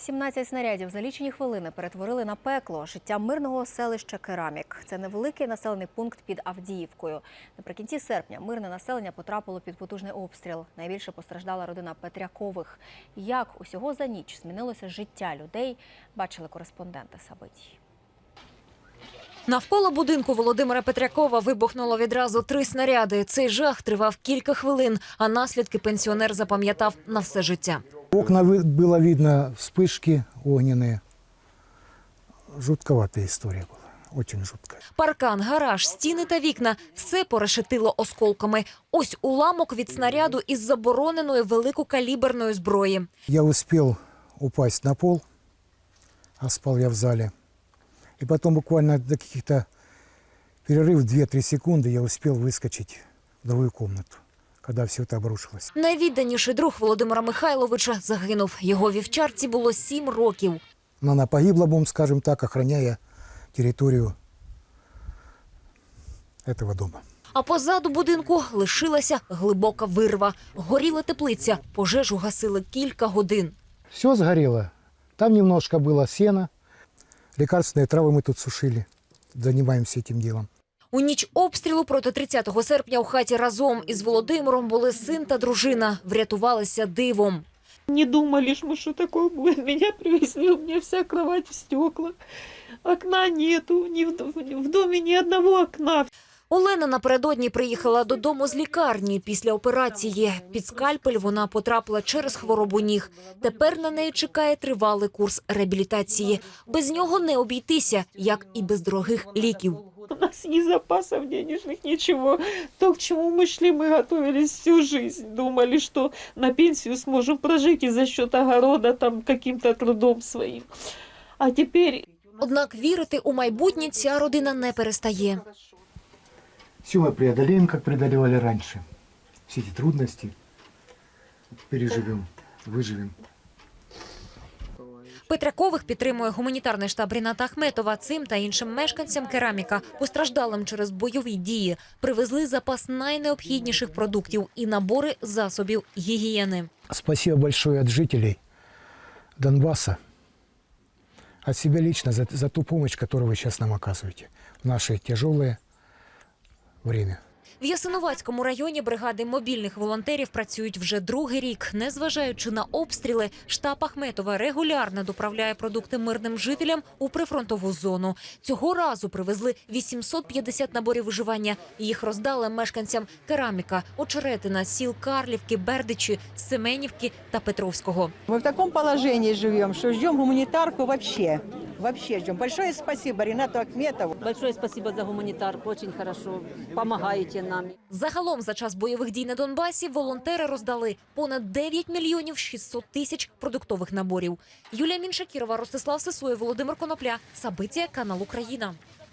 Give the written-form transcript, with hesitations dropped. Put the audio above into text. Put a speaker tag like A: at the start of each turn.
A: 17 снарядів за лічені хвилини перетворили на пекло життя мирного селища Керамік. Це невеликий населений пункт під Авдіївкою. Наприкінці серпня мирне населення потрапило під потужний обстріл. Найбільше постраждала родина Петрякових. Як усього за ніч змінилося життя людей, бачили кореспонденти Сабитій.
B: Навколо будинку Володимира Петрякова вибухнуло відразу 3 снаряди. Цей жах тривав кілька хвилин, а наслідки пенсіонер запам'ятав на все життя.
C: Окна было видно, вспышки огненные. Жутковатая история была, очень жуткая.
B: Паркан, гараж, стіни та вікна – все порешетило осколками. Ось уламок від снаряду із забороненої великокаліберної зброї.
C: Я успел упасть на пол, а спал я в зале. И потом буквально до каких-то перерыв 2-3 секунды я успел выскочить в другую комнату, когда все это обрушилось.
B: Найвідданіший друг Володимира Михайловича загинув. Його вівчарці було 7 років.
C: Но она погибла, будем скажем так, охраняя территорию этого дома.
B: А позаду будинку лишилася глибока вирва. Горіла теплиця, пожежу гасили кілька годин.
C: Все сгорело. Там немножко было сена. Лекарственные травы мы тут сушили. Занимаемся этим делом.
B: У ніч обстрілу проти 30 серпня у хаті разом із Володимиром були син та дружина. Врятувалися дивом.
D: Не думали, что такое будет. Меня привезли, у меня вся кровать в стеклах. Окна нету, в доме ни одного окна.
B: Олена напередодні приїхала додому з лікарні після операції. Під скальпель вона потрапила через хворобу ніг. Тепер на неї чекає тривалий курс реабілітації. Без нього не обійтися, як і без дорогих ліків.
D: У нас ни запасов денежных, ничего. То, к чему мы шли, мы готовились всю жизнь. Думали, что на пенсию сможем прожить и за счет огорода, там, каким-то трудом своим. А теперь...
B: Однак вірити у майбутнє ця родина не перестає.
C: Все мы преодолеем, как преодолевали раньше. Все эти трудности переживем, выживем.
B: Петрякових підтримує гуманітарний штаб Ріната Ахметова. Цим та іншим мешканцям Кераміка, постраждалим через бойові дії, привезли запас найнеобхідніших продуктів і набори засобів гігієни.
C: Спасибо большое от жителей Донбасса, от себя лично за ту помощь, которую вы сейчас нам оказываете в наше тяжелое время.
B: В Ясиновацькому районі бригади мобільних волонтерів працюють вже другий рік. Незважаючи на обстріли, штаб Ахметова регулярно доправляє продукти мирним жителям у прифронтову зону. Цього разу привезли 850 наборів виживання. Їх роздали мешканцям Кераміка, Очеретина, сіл Карлівки, Бердичі, Семенівки та Петровського.
E: Мы в таком положении живем, что ждем гуманитарку вообще. Вообще ждем. Большое спасибо Ринату Ахметову.
F: Большое спасибо за гуманитарку, очень хорошо, помогаете нам.
B: Загалом за час бойових дій на Донбасі волонтери роздали понад 9 мільйонів 600 тисяч продуктових наборів. Юлія Міншакірова, Ростислав Сисоєв, Володимир Конопля. Сабиття, канал Україна.